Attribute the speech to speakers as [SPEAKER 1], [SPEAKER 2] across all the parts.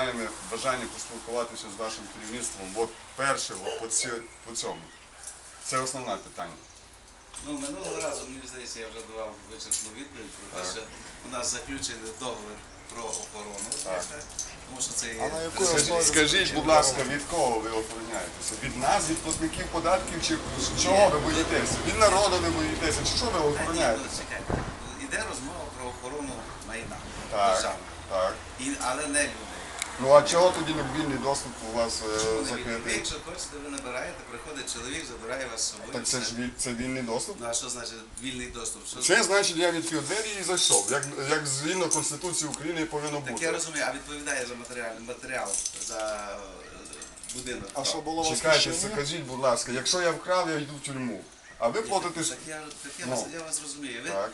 [SPEAKER 1] маємо бажання поспілкуватися з вашим керівництвом. От перше, по цьому. Це основне питання.
[SPEAKER 2] Ну, минулого разу, мені здається, я вже давав вичерпну відповідь про те, що у нас заключений договір про охорону. Тому що це є...
[SPEAKER 1] Скажіть, будь ласка, від кого ви охороняєтеся? Від нас, від платників податків, чи чого ви боїтеся? Від народу ви боїтеся, чи що ви охороняєтеся?
[SPEAKER 2] Чекайте, іде розмова про охорону майна
[SPEAKER 1] Так, так.
[SPEAKER 2] але не людей.
[SPEAKER 1] Ну а чого тоді не вільний доступ у вас
[SPEAKER 2] Ви,
[SPEAKER 1] закритий?
[SPEAKER 2] якщо хочете, ви набираєте, приходить чоловік, забирає вас з собою.
[SPEAKER 1] Так це ж це вільний доступ?
[SPEAKER 2] Ну а що значить вільний доступ? Що
[SPEAKER 1] Це значить, я відкрив двері і зайшов, як згідно Конституції України повинно
[SPEAKER 2] Так
[SPEAKER 1] бути.
[SPEAKER 2] я розумію, а відповідає за матеріал, за будинок.
[SPEAKER 3] А що було у вас
[SPEAKER 1] Чекайте,
[SPEAKER 3] рішення?
[SPEAKER 1] скажіть, будь ласка, якщо я вкрав, я йду в тюрму. А ви платите...
[SPEAKER 2] Так я вас розумію.
[SPEAKER 1] Так.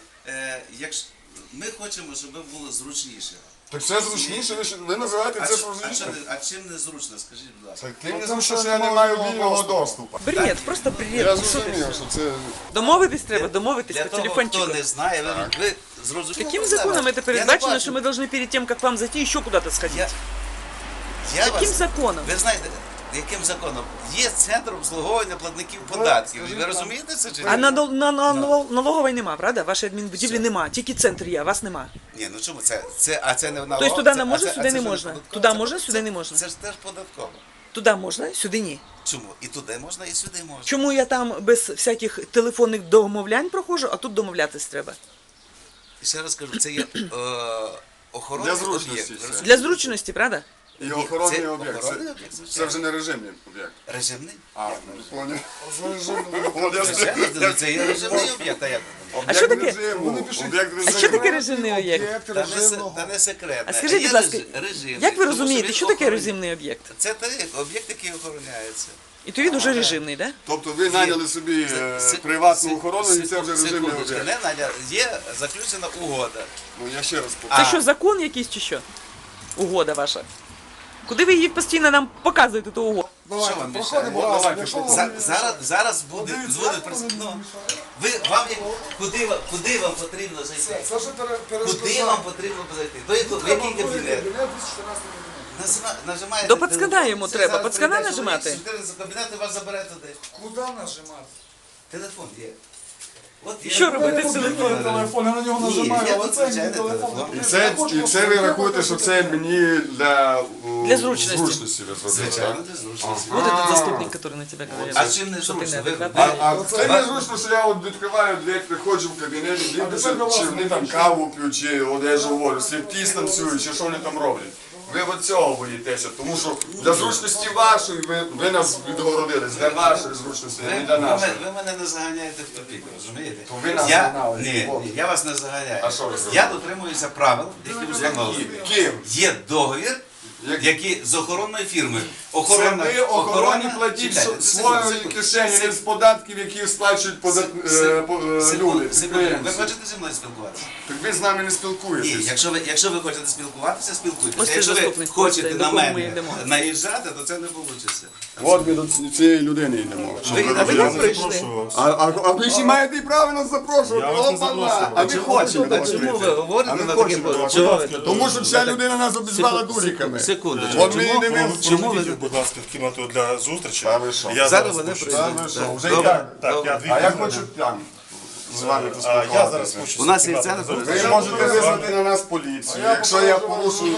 [SPEAKER 2] Ми хочемо, щоб ви було зручніше.
[SPEAKER 1] Так це зручніше, ви називаєте це зручніше?
[SPEAKER 2] А чим не зручно, скажіть, будь ласка?
[SPEAKER 1] Так тим не зручно, що я не маю вільного доступу.
[SPEAKER 4] Бред, просто бред.
[SPEAKER 1] Я
[SPEAKER 4] Ну, що ти?
[SPEAKER 1] зрозумів, що це...
[SPEAKER 4] Домовитись треба, домовитись
[SPEAKER 2] Для
[SPEAKER 4] по
[SPEAKER 2] того,
[SPEAKER 4] телефончику.
[SPEAKER 2] хто не знає, ви зрозуміли.
[SPEAKER 4] Каким законом это передбачено, что мы должны перед тем, как к вам зайти, еще куда-то сходить? Каким законом?
[SPEAKER 2] Ви знаєте, яким законом? Є центр обслуговування платників податків. Ви розумієте це чи ні?
[SPEAKER 4] А налогової нема, правда? Вашої адмінбудівлі нема, тільки центр є, а вас нема.
[SPEAKER 2] Ні, ну чому це? А це не налог?
[SPEAKER 4] Тобто туди не
[SPEAKER 2] а
[SPEAKER 4] можна,
[SPEAKER 2] це-
[SPEAKER 4] сюди
[SPEAKER 2] а це
[SPEAKER 4] не
[SPEAKER 2] ж
[SPEAKER 4] можна.
[SPEAKER 2] податково.
[SPEAKER 4] Туди
[SPEAKER 2] Це-
[SPEAKER 4] можна, сюди не можна.
[SPEAKER 2] Це ж теж податково.
[SPEAKER 4] Туди можна, сюди ні.
[SPEAKER 2] Чому? І туди можна, і сюди можна.
[SPEAKER 4] Чому я там без всяких телефонних домовлянь проходжу, а тут домовлятись треба?
[SPEAKER 2] І ще раз кажу, це є охоронний
[SPEAKER 1] Для зручності
[SPEAKER 2] об'єкт.
[SPEAKER 1] це.
[SPEAKER 2] розумієте?
[SPEAKER 4] Для зручності, правда?
[SPEAKER 1] І охоронний
[SPEAKER 2] Це
[SPEAKER 1] об'єкт.
[SPEAKER 2] охоронний об'єкт, звичайно.
[SPEAKER 1] Це вже не режимний об'єкт.
[SPEAKER 2] Режимний?
[SPEAKER 1] А, поняв.
[SPEAKER 2] Режимний? Це є режимний об'єкт, а як?
[SPEAKER 4] А що таке?
[SPEAKER 1] Об'єкт
[SPEAKER 4] А що таке режимний об'єкт?
[SPEAKER 2] Та не секретне.
[SPEAKER 4] А скажіть,
[SPEAKER 2] Є
[SPEAKER 4] будь ласка,
[SPEAKER 2] режимний,
[SPEAKER 4] як ви
[SPEAKER 2] тому що
[SPEAKER 4] розумієте,
[SPEAKER 2] він
[SPEAKER 4] що таке
[SPEAKER 2] охоронний.
[SPEAKER 4] режимний об'єкт?
[SPEAKER 2] Це той об'єкт, який охороняється.
[SPEAKER 4] І то він уже режимний, так?
[SPEAKER 1] Тобто ви наняли собі приватну охорону і це вже режимний
[SPEAKER 2] Секундочку,
[SPEAKER 1] об'єкт.
[SPEAKER 2] не Надя, є заключена угода.
[SPEAKER 1] Ну я ще раз
[SPEAKER 4] Це
[SPEAKER 1] повторю.
[SPEAKER 4] що, закон якийсь чи що? Угода ваша. Куди ви її постійно нам показуєте ту угоду?
[SPEAKER 2] Що вам
[SPEAKER 3] Проходимо
[SPEAKER 2] мішає?
[SPEAKER 3] разом.
[SPEAKER 1] давайте,
[SPEAKER 3] Якщо вам
[SPEAKER 2] Зараз буде куди вам потрібно зайти?
[SPEAKER 3] Це вже
[SPEAKER 2] Куди вам потрібно зайти? В який кабінет? Нажимаєте.
[SPEAKER 4] До пацкана йому
[SPEAKER 2] Це
[SPEAKER 4] треба.
[SPEAKER 2] зараз
[SPEAKER 4] Пацкана
[SPEAKER 2] прийде
[SPEAKER 4] нажимати?
[SPEAKER 2] чоловік, 14 кабінет і вас забере туди.
[SPEAKER 3] Куди нажимати?
[SPEAKER 2] Телефон є. От є.
[SPEAKER 4] Що робити з телефоном?
[SPEAKER 3] Телефон, я на нього
[SPEAKER 2] Ні,
[SPEAKER 3] нажимаю,
[SPEAKER 2] є
[SPEAKER 3] але
[SPEAKER 2] тут
[SPEAKER 3] це мій
[SPEAKER 2] звичайний
[SPEAKER 3] телефон.
[SPEAKER 2] телефон.
[SPEAKER 1] І це ви рахуєте, що це мені для
[SPEAKER 4] зручності.
[SPEAKER 1] зручності ви зробили,
[SPEAKER 2] Звичайно,
[SPEAKER 1] так?
[SPEAKER 2] для зручності.
[SPEAKER 4] Вот этот заступник, который на тебя говорит.
[SPEAKER 2] А чим не
[SPEAKER 4] Що ти
[SPEAKER 2] зручно?
[SPEAKER 4] неадекватний.
[SPEAKER 1] А це не зручно, що я от відкриваю двері, приходжу в кабінет, дивлюся, чи вони там каву п'ють, чи от я ж говорю, сліпті танцюють, чи що вони там роблять. Ви от цього боїтеся, тому що для зручності вашої ви нас відгородились, для вашої зручності, а не для нашої.
[SPEAKER 2] Ви мене не заганяєте в тупик, розумієте?
[SPEAKER 1] То ви нас
[SPEAKER 2] Я-
[SPEAKER 1] загнали,
[SPEAKER 2] Ні,
[SPEAKER 1] Бог.
[SPEAKER 2] ні, я вас не заганяю.
[SPEAKER 1] А що ви зробили?
[SPEAKER 2] Я дотримуюся правил, які встановлені.
[SPEAKER 1] Ким?
[SPEAKER 2] Є договір, який з охоронною фірмою.
[SPEAKER 1] Це ви охороні платіть
[SPEAKER 2] Чекайте,
[SPEAKER 1] своєї
[SPEAKER 2] секунду,
[SPEAKER 1] кишені,
[SPEAKER 2] секунду.
[SPEAKER 1] не з податків, які сплачують люди,
[SPEAKER 2] Секунду. Ви
[SPEAKER 1] підприємці.
[SPEAKER 2] хочете зі мною спілкуватися?
[SPEAKER 1] Так ви з нами не
[SPEAKER 2] Ні,
[SPEAKER 1] спілкуєтесь.
[SPEAKER 2] якщо ви хочете спілкуватися, спілкуйтеся.
[SPEAKER 4] Ось це
[SPEAKER 2] Якщо ви
[SPEAKER 4] заступник,
[SPEAKER 2] хочете
[SPEAKER 4] ось
[SPEAKER 2] на
[SPEAKER 4] до кого ми
[SPEAKER 2] мене
[SPEAKER 4] йдемо.
[SPEAKER 2] наїжджати, то це не вийде.
[SPEAKER 1] От ми до цієї людини йдемо.
[SPEAKER 4] А ви як прийшли?
[SPEAKER 1] А ви ще маєте і право нас запрошувати.
[SPEAKER 5] Я вас не
[SPEAKER 1] Опа-на!
[SPEAKER 5] запрошую.
[SPEAKER 1] А ви хочете.
[SPEAKER 2] А чому ви говорите
[SPEAKER 1] А ми
[SPEAKER 2] на
[SPEAKER 1] хочемо.
[SPEAKER 2] таким
[SPEAKER 4] Чого ви тут?
[SPEAKER 1] Тому що ця людина нас обізвала дуриками.
[SPEAKER 2] Секундочку.
[SPEAKER 1] От ми йдемо.
[SPEAKER 2] Чому ви...
[SPEAKER 5] Проведіть, будь ласка, в кімнату для зустрічі.
[SPEAKER 1] Та ви що?
[SPEAKER 5] Я
[SPEAKER 2] Зараз
[SPEAKER 5] зараз
[SPEAKER 2] вони
[SPEAKER 5] спущуся.
[SPEAKER 1] Та
[SPEAKER 2] прийдуть.
[SPEAKER 1] ви що, вже
[SPEAKER 2] Добре.
[SPEAKER 1] і так.
[SPEAKER 5] Так, я 2
[SPEAKER 1] А я
[SPEAKER 5] хвилини.
[SPEAKER 1] хочу там з вами
[SPEAKER 5] Я зараз
[SPEAKER 1] поспілкуватися.
[SPEAKER 5] спущуся.
[SPEAKER 2] У нас
[SPEAKER 5] в
[SPEAKER 2] є
[SPEAKER 5] кімнату
[SPEAKER 2] центр.
[SPEAKER 5] для
[SPEAKER 1] Ви
[SPEAKER 5] зустрічі.
[SPEAKER 1] можете визвати на нас поліцію. Якщо я порушую...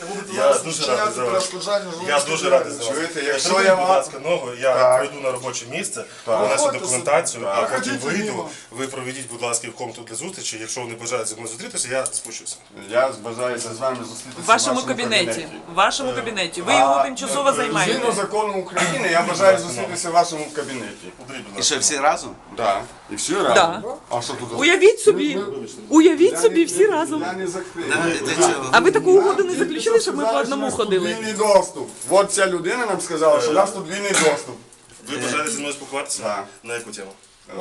[SPEAKER 5] Я дуже радий за вас. Я дуже радий за вас.
[SPEAKER 1] Чуєте, якщо
[SPEAKER 5] Зробіть,
[SPEAKER 1] я
[SPEAKER 5] будь
[SPEAKER 1] вам-
[SPEAKER 5] ласка, ногу, я
[SPEAKER 1] Так.
[SPEAKER 5] пройду на робоче місце, принесу документацію, а потім
[SPEAKER 3] Ходіть
[SPEAKER 5] вийду.
[SPEAKER 3] мимо.
[SPEAKER 5] Ви проведіть, будь ласка, в комнату для зустрічі. Якщо вони бажають зі мною зустрітися, я спущуся.
[SPEAKER 1] Я бажаюся з вами зустрітися
[SPEAKER 4] В вашому кабінеті. В вашому кабінеті. Ви його тимчасово
[SPEAKER 1] Згідно
[SPEAKER 4] займаєте.
[SPEAKER 1] закону України, я бажаю зустрітися в вашому кабінеті.
[SPEAKER 5] Подріть, будь
[SPEAKER 2] І
[SPEAKER 5] ласка.
[SPEAKER 2] що, всі разом?
[SPEAKER 1] Так. І всі разом.
[SPEAKER 4] Да.
[SPEAKER 1] А що тут?
[SPEAKER 4] Уявіть собі. Уявіть собі всі разом.
[SPEAKER 1] Я не закрив.
[SPEAKER 2] Для чого?
[SPEAKER 4] А ви таку угоду не заключили, щоб ми по одному ходили?
[SPEAKER 1] Вільний доступ. От ця людина нам сказала, що у нас тут вільний доступ.
[SPEAKER 5] Ви бажаєте зі мною спілкуватися?
[SPEAKER 1] Так.
[SPEAKER 5] На яку тему?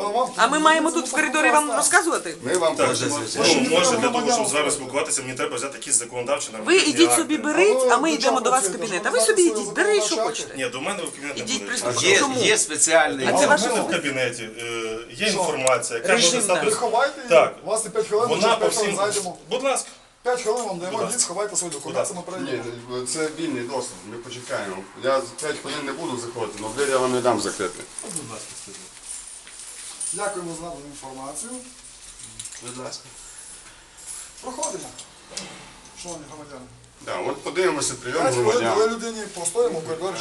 [SPEAKER 4] А ми маємо тут в коридорі вам розказувати?
[SPEAKER 1] Ми вам
[SPEAKER 5] Так,
[SPEAKER 1] хочемо.
[SPEAKER 5] ну, може для того, щоб з вами спілкуватися, мені треба взяти якісь законодавчі
[SPEAKER 4] Ви
[SPEAKER 5] нормативні
[SPEAKER 4] ідіть
[SPEAKER 5] акти.
[SPEAKER 4] собі беріть, а ми йдемо до вас в кабінет. А ви собі йдіть, бери, що хочете.
[SPEAKER 5] Ні, до мене в кабінет не
[SPEAKER 4] Ідіть
[SPEAKER 5] буде.
[SPEAKER 4] приступіть. Чому?
[SPEAKER 2] Є спеціальний...
[SPEAKER 4] А це
[SPEAKER 5] У
[SPEAKER 4] ваше
[SPEAKER 5] мене в кабінеті є інформація, яка може
[SPEAKER 4] Режимна.
[SPEAKER 5] стати...
[SPEAKER 3] Ховайте її,
[SPEAKER 5] Так.
[SPEAKER 3] у вас і 5 хвилин,
[SPEAKER 5] Вона
[SPEAKER 3] через
[SPEAKER 5] по
[SPEAKER 3] 5 хвилин
[SPEAKER 5] всім...
[SPEAKER 3] зайдемо.
[SPEAKER 5] Будь ласка.
[SPEAKER 3] 5 хвилин вам даємо, йдіть, сховайте свої документи, ми перейдемо.
[SPEAKER 1] Ні, це вільний доступ, ми почекаємо. Я 5 хвилин не буду заходити, але двері я вам не дам закрити.
[SPEAKER 5] Будь ласка, скажіть.
[SPEAKER 3] Дякуємо за надану інформацію.
[SPEAKER 2] Будь ласка.
[SPEAKER 3] Проходимо. Шановні громадяни.
[SPEAKER 1] Да, от подивимося прийом
[SPEAKER 3] 5 хвилин
[SPEAKER 1] громадян.
[SPEAKER 3] дали людині, постоїмо в коридорчику.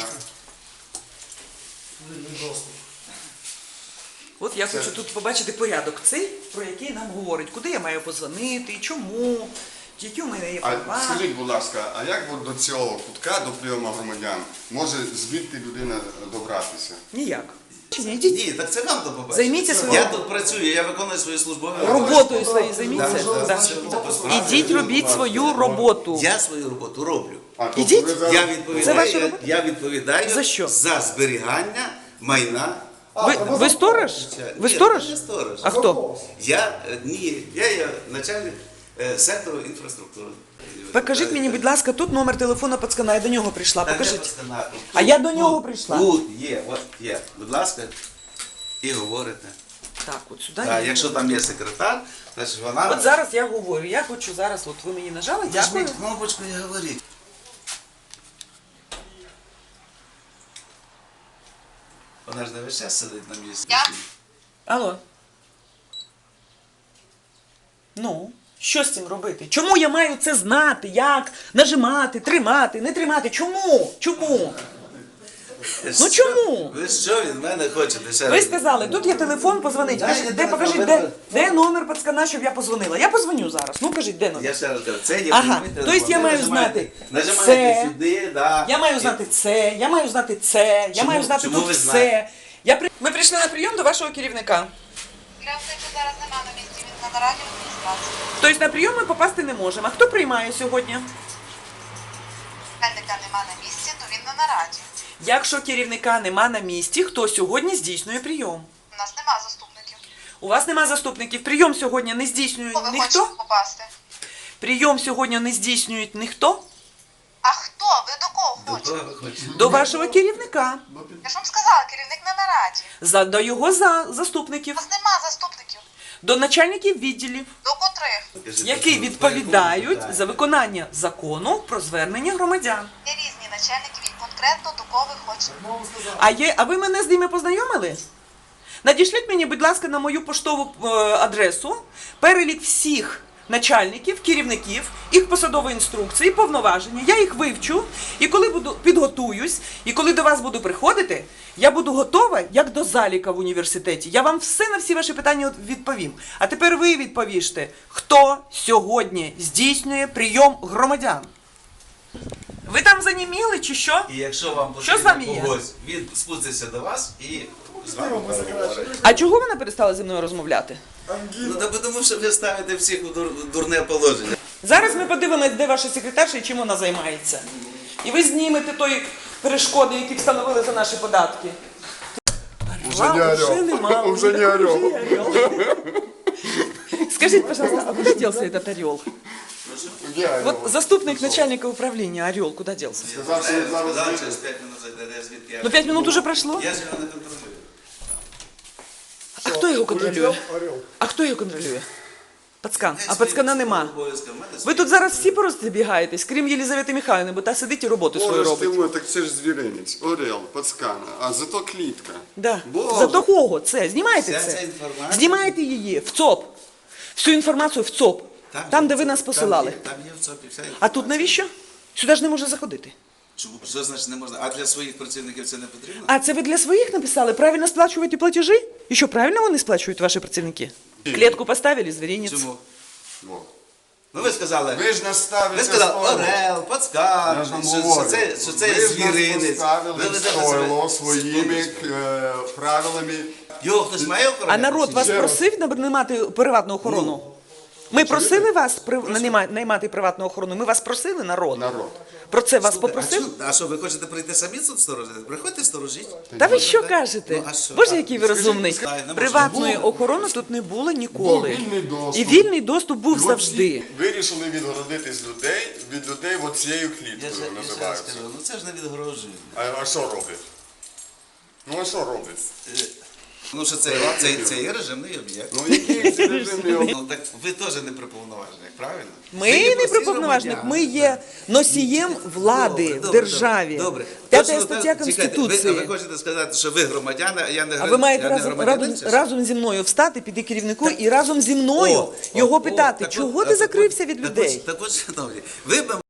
[SPEAKER 4] От я хочу тут побачити порядок цей, про який нам говорить, куди я маю позвонити, чому, які у мене є
[SPEAKER 1] А
[SPEAKER 4] права.
[SPEAKER 1] скажіть, будь ласка, а як от до цього кутка, до прийому громадян, може звідти людина добратися?
[SPEAKER 4] Ніяк. Чи не йдіть?
[SPEAKER 2] Ні, так це вам то побачити.
[SPEAKER 4] Займіться
[SPEAKER 2] Я
[SPEAKER 4] своєю
[SPEAKER 2] тут працюю, я виконую свої службові
[SPEAKER 4] роботою своєю, займіться.
[SPEAKER 2] Да,
[SPEAKER 4] Да.
[SPEAKER 2] да.
[SPEAKER 4] Ідіть, робіть свою роботу.
[SPEAKER 2] Я свою роботу роблю.
[SPEAKER 1] А, тобто
[SPEAKER 4] Ідіть.
[SPEAKER 1] ви зараз-
[SPEAKER 2] Я
[SPEAKER 4] Це ваша
[SPEAKER 2] відповідаю,
[SPEAKER 4] робота?
[SPEAKER 2] я відповідаю
[SPEAKER 4] За що?
[SPEAKER 2] за зберігання майна.
[SPEAKER 4] Ви сторож? Ви
[SPEAKER 2] Ні,
[SPEAKER 4] сторож?
[SPEAKER 2] я не сторож.
[SPEAKER 4] А хто?
[SPEAKER 2] Я є начальник сектору інфраструктури.
[SPEAKER 4] Покажіть мені, будь ласка, тут номер телефона пацкана, я до нього прийшла.
[SPEAKER 2] Та де
[SPEAKER 4] Покажіть.
[SPEAKER 2] пацана?
[SPEAKER 4] А я до нього прийшла.
[SPEAKER 2] Тут є, от є. Будь ласка, і говорите.
[SPEAKER 4] Так, от сюди.
[SPEAKER 2] Так,
[SPEAKER 4] я
[SPEAKER 2] якщо
[SPEAKER 4] говорю.
[SPEAKER 2] там є секретар, значить вона...
[SPEAKER 4] От зараз я говорю, я хочу зараз, от ви мені нажали, дякую.
[SPEAKER 2] Нажміть кнопочку і говоріть. Вона ж не весь час сидить на місці.
[SPEAKER 4] Алло. Ну, що з цим робити? Чому я маю це знати? Як нажимати, тримати, не тримати? Чому? Чому? Ну чому?
[SPEAKER 2] Ви що від мене хочете? Ще
[SPEAKER 4] Ви
[SPEAKER 2] раз?
[SPEAKER 4] сказали, тут є телефон, позвонить.
[SPEAKER 2] Дайте
[SPEAKER 4] Кажіть, де,
[SPEAKER 2] телефон,
[SPEAKER 4] покажіть,
[SPEAKER 2] ви-
[SPEAKER 4] де номер пацкана, щоб я позвонила. Я позвоню зараз. Ну кажіть, де номер?
[SPEAKER 2] Я ще раз кажу, це є
[SPEAKER 4] Ага,
[SPEAKER 2] прямий
[SPEAKER 4] тобто
[SPEAKER 2] телефон.
[SPEAKER 4] я
[SPEAKER 2] Ви
[SPEAKER 4] маю
[SPEAKER 2] нажимаєте-
[SPEAKER 4] знати
[SPEAKER 2] Нажимаєте
[SPEAKER 4] це.
[SPEAKER 2] сюди, да.
[SPEAKER 4] Я маю знати це, я маю знати це, я
[SPEAKER 2] Чому-
[SPEAKER 4] маю знати
[SPEAKER 2] чому
[SPEAKER 4] тут
[SPEAKER 2] ви
[SPEAKER 4] все.
[SPEAKER 2] знаєте?
[SPEAKER 4] Ми прийшли на прийом до вашого керівника.
[SPEAKER 6] Керівника зараз нема на місці, він на нараді в адміністрації.
[SPEAKER 4] Тобто на прийом ми попасти не можемо. А хто приймає сьогодні?
[SPEAKER 6] Керівника нема на місці, то він на нараді.
[SPEAKER 4] Якщо керівника нема на місці, хто сьогодні здійснює прийом?
[SPEAKER 6] У нас нема заступників.
[SPEAKER 4] У вас нема заступників. Прийом сьогодні не здійснює
[SPEAKER 6] Кого ви
[SPEAKER 4] ніхто?
[SPEAKER 6] хочете попасти?
[SPEAKER 4] Прийом сьогодні не здійснює ніхто?
[SPEAKER 6] А хто? Ви до кого
[SPEAKER 2] До
[SPEAKER 6] хочете?
[SPEAKER 2] кого ви хочете?
[SPEAKER 4] До вашого керівника.
[SPEAKER 6] Я ж вам сказала, керівник на нараді.
[SPEAKER 4] До його заступників.
[SPEAKER 6] У нас нема заступників.
[SPEAKER 4] До начальників відділів,
[SPEAKER 6] До котрих?
[SPEAKER 2] Покажіть,
[SPEAKER 4] які
[SPEAKER 2] по
[SPEAKER 4] відповідають
[SPEAKER 2] якому
[SPEAKER 4] за виконання закону про звернення громадян.
[SPEAKER 6] Є різні начальники, він конкретно до кого ви хочете.
[SPEAKER 4] А ви мене з ними познайомили? Надішліть мені, будь ласка, на мою поштову адресу перелік всіх начальників, керівників, їх посадової інструкції, повноваження. Я їх вивчу, і коли підготуюсь, і коли до вас буду приходити, я буду готова, як до заліка в університеті. Я вам все на всі ваші питання відповім. А тепер ви відповіжте, хто сьогодні здійснює прийом громадян? Ви там заніміли чи що?
[SPEAKER 2] І якщо вам
[SPEAKER 4] Що з вами є?
[SPEAKER 2] потрібно когось, він спуститься до вас і з вами переговорить.
[SPEAKER 4] А чого вона перестала зі мною розмовляти?
[SPEAKER 2] Ну, та тому що ви ставите всіх у дурне положення.
[SPEAKER 4] Зараз ми подивимось, де ваша секретарша і чим вона займається. І ви знімете той перешкоди, які встановили за наші податки.
[SPEAKER 1] Уже не орел.
[SPEAKER 4] Уже нема.
[SPEAKER 1] Уже не орел.
[SPEAKER 4] Уже не орел. Скажите, пожалуйста, а куда делся этот орел?
[SPEAKER 1] Я
[SPEAKER 4] Вот заступник начальника управления орел куда делся?
[SPEAKER 1] сказав, що він зараз
[SPEAKER 2] Сказав,
[SPEAKER 1] вийде.
[SPEAKER 2] через 5 минут зайде, я звідки я.
[SPEAKER 4] Ну 5 минут уже прошло.
[SPEAKER 2] Я ж його не контролюю.
[SPEAKER 4] А хто його контролює? А хто його контролює? Пацкан. А пацкана нема. Ви тут зараз всі просто бігаєтесь, крім Єлізавети Михайлівни, бо та сидить і роботу свою
[SPEAKER 1] Боже ж ти
[SPEAKER 4] робить.
[SPEAKER 1] мой, так це ж звіринець, орел, пацкана, а зато клітка.
[SPEAKER 4] Да.
[SPEAKER 1] Боже.
[SPEAKER 4] Зато кого це? Знімайте
[SPEAKER 2] Вся ця
[SPEAKER 4] це.
[SPEAKER 2] інформація-
[SPEAKER 4] Знімайте її в ЦОП. Всю інформацію в ЦОП. Там, де ви нас посилали.
[SPEAKER 2] Там є в ЦОПі вся інформація.
[SPEAKER 4] А тут навіщо? Сюди ж не може заходити.
[SPEAKER 2] Чому? Що значить не можна? А для своїх працівників це не потрібно?
[SPEAKER 4] А це ви для своїх написали? Правильно сплачуєте платежі? І що, правильно вони сплачують, ваші працівники? Клетку поставили, звіринець.
[SPEAKER 2] Чому?
[SPEAKER 1] Во.
[SPEAKER 2] Ну ви сказали,
[SPEAKER 1] Ви ж нас ставите
[SPEAKER 2] ви сказали
[SPEAKER 1] стойло.
[SPEAKER 2] орел, пацкан,
[SPEAKER 1] Я ж вам
[SPEAKER 2] що
[SPEAKER 1] говорю.
[SPEAKER 2] це
[SPEAKER 1] Ви ж нас
[SPEAKER 2] звіринець.
[SPEAKER 1] поставили
[SPEAKER 2] Ви
[SPEAKER 1] в
[SPEAKER 2] ведете
[SPEAKER 1] стойло
[SPEAKER 2] себе-
[SPEAKER 1] своїми правилами.
[SPEAKER 2] Його хтось має охороняти?
[SPEAKER 4] А народ вас
[SPEAKER 1] Ще раз.
[SPEAKER 4] просив наймати приватну охорону? Ми просили вас наймати приватну охорону? Ми вас просили, народ?
[SPEAKER 1] Народ.
[SPEAKER 4] Про це вас
[SPEAKER 2] Слухай,
[SPEAKER 4] попросив?
[SPEAKER 2] А що, ви хочете прийти самі тут сторожити? Приходьте сторожіть.
[SPEAKER 4] Та ви що кажете?
[SPEAKER 2] Ну, а що?
[SPEAKER 4] Боже, який ви розумний.
[SPEAKER 2] скажіть, не
[SPEAKER 4] Приватної
[SPEAKER 2] можна.
[SPEAKER 4] охорони тут не було
[SPEAKER 1] Був
[SPEAKER 4] ніколи.
[SPEAKER 1] вільний доступ.
[SPEAKER 4] І вільний доступ був
[SPEAKER 1] І от
[SPEAKER 4] завжди.
[SPEAKER 1] всі вирішили відгородитись від людей от цією
[SPEAKER 2] Я
[SPEAKER 1] кліткою
[SPEAKER 2] ще раз
[SPEAKER 1] називається.
[SPEAKER 2] скажу, ну це ж не відгрожує.
[SPEAKER 1] А що роблять? Ну а що роблять?
[SPEAKER 2] Ну що це є режимний об'єкт.
[SPEAKER 1] Ну який це режимний об'єкт?
[SPEAKER 2] Ну так ви теж не при повноваженнях, правильно?
[SPEAKER 4] Ми не при повноважних, ми є носієм влади в державі.
[SPEAKER 2] Добре.
[SPEAKER 4] П'ята
[SPEAKER 2] Точно
[SPEAKER 4] стаття
[SPEAKER 2] так, чекайте,
[SPEAKER 4] Конституції.
[SPEAKER 2] ви хочете сказати, що ви громадяни, а я не
[SPEAKER 4] А ви маєте
[SPEAKER 2] я не громадянин, чи що?
[SPEAKER 4] разом зі мною встати, піти керівнику і разом зі мною його питати,
[SPEAKER 2] так от-
[SPEAKER 4] чого ти
[SPEAKER 2] так от-
[SPEAKER 4] закрився від
[SPEAKER 2] так от-
[SPEAKER 4] людей?
[SPEAKER 2] Так от, шановні, ви б